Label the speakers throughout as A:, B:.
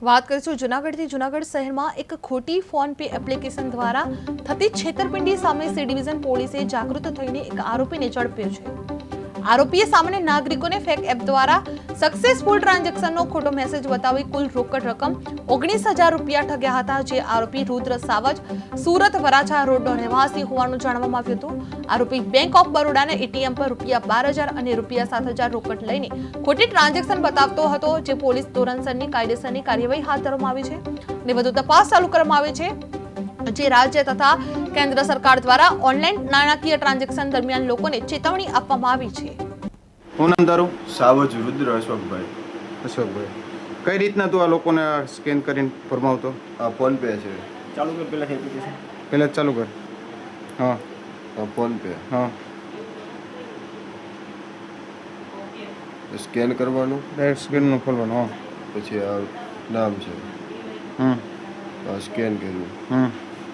A: વાત કરીશું જૂનાગઢથી। જૂનાગઢ શહેરમાં એક ખોટી ફોન પે એપ્લિકેશન દ્વારા થતી છેતરપિંડી સામે સી ડિવિઝન પોલીસે જાગૃત થઈને એક આરોપીને ઝડપ્યો છે। આરોપીએ સામાન્ય નાગરિકોને ફેક એપ દ્વારા સક્સેસફુલ ટ્રાન્ઝેક્શનનો ખોટો મેસેજ બતાવી કુલ રોકડ રકમ 19,000 રૂપિયા ઠગ્યા હતા। જે આરોપી રુદ્ર સાવજ સુરત વરાછા રોડનો રહેવાસી હોવાનું જાણવામાં આવ્યું હતું। આરોપી બેંક ઓફ બરોડાના એટીએમ પર રૂપિયા 12,000 અને રૂપિયા 7,000 રોકડ લઈને ખોટી ટ્રાન્ઝેક્શન બતાવતો હતો। જે પોલીસ ધોરણસરની કાયદેસરની કાર્યવાહી હાથ ધરવામાં આવી છે અને વધુ તપાસ ચાલુ કરવામાં આવી છે। જે રાજ્ય તથા કેન્દ્ર સરકાર દ્વારા ઓનલાઈન નાણાકીય ટ્રાન્ઝેક્શન દરમિયાન લોકોને ચેતવણી આપવામાં આવી છે।
B: હું નામ તારું?
C: સાવજ રુદ્ર અશોકભાઈ।
B: અશોકભાઈ, કઈ રીતના તું આ લોકોને સ્કેન કરીને ફરમાવતો?
C: આ ફોન પે છે।
D: ચાલુ કર પહેલાથી એપ્લિકેશન
B: પહેલા જ ચાલુ કર। હા
C: આ ફોન પે
B: હા,
C: સ્કેન કરવાનું,
B: ડાયરેક્ટ સ્કેનનું ખોલવાનું। હા
C: પછી આ નામ છે,
B: હમ
C: આ સ્કેન કર્યું,
B: હમ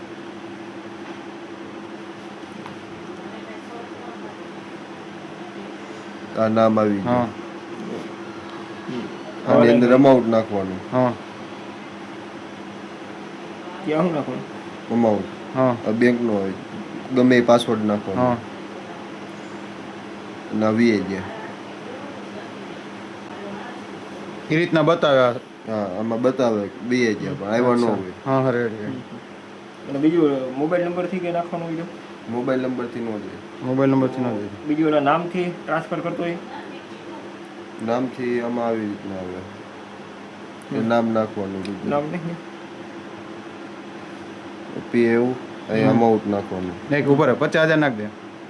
C: આ નામ આવી
B: હા
C: ગયું, આની અંદર અમાઉન્ટ નાખવાનું,
B: હા
D: ક્યાં હું નાખવાનું
C: અમાઉન્ટ
B: હા
C: આ બેંકનો હોય, ગમે એ પાસવર્ડ
B: હા
C: નાખવાનો, અને આવી ગયા।
B: એ રીતના બતાવ્યા।
C: હા, આમાં બતાવે બે ગયા પણ આવ્યા ન હોય।
B: હા હા, રેડી।
D: અને બીજું મોબાઈલ નંબરથી કે નાખવાનું બીજું
C: મોબાઈલ નંબરથી ન જાય,
B: મોબાઈલ નંબરથી ન જાય,
D: બીજું એના નામથી ટ્રાન્સફર કરતો હોય
C: નામથી આમાં આવી રીતના આવે, એ નામ નાખવાનું,
D: નામ નહીં
C: પી એવું અહીં અમાઉન્ટ નાખવાનું,
B: નહીં કે ઉપર 50,000 નાખ દે।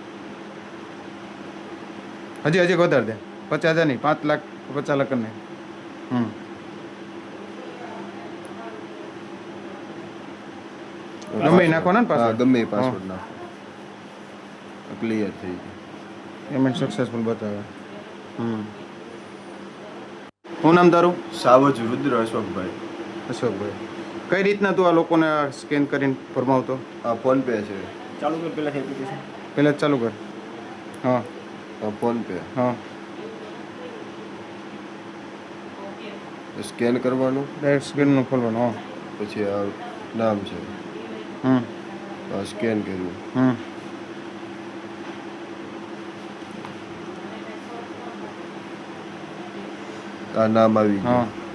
B: હજી વધારે દે, 50,000 નહીં, 5 લાખ 50 લાખ કરી નાખ। ગમે એ નાખવાના ને
C: હા,
B: પાછળ?
C: ગમે એ પાસવર્ડ નાખો, ક્લિયર થઈ ગયું।
B: પેમેન્ટ સક્સેસફુલ બતાવે। હું નામ તારું?
C: સાવજ રુદ્ર અશોકભાઈ।
B: અશોકભાઈ, કઈ રીતના તું આ લોકોને સ્કેન કરીને ફરમાવતો?
C: આ ફોન પે છે।
D: ચાલુ કર પહેલાથી એપ્લિકેશન
B: પહેલા જ ચાલુ કર। હા
C: આ ફોન પે
B: હા,
C: સ્કેન કરવાનું,
B: ડાયરેક્ટ સ્કેનનું ખોલવાનું। હા
C: પછી આ નામ છે,
B: હમ
C: આ સ્કેન કર્યું,
B: હમ
C: આ નામ આવી
B: હા
C: ગયું,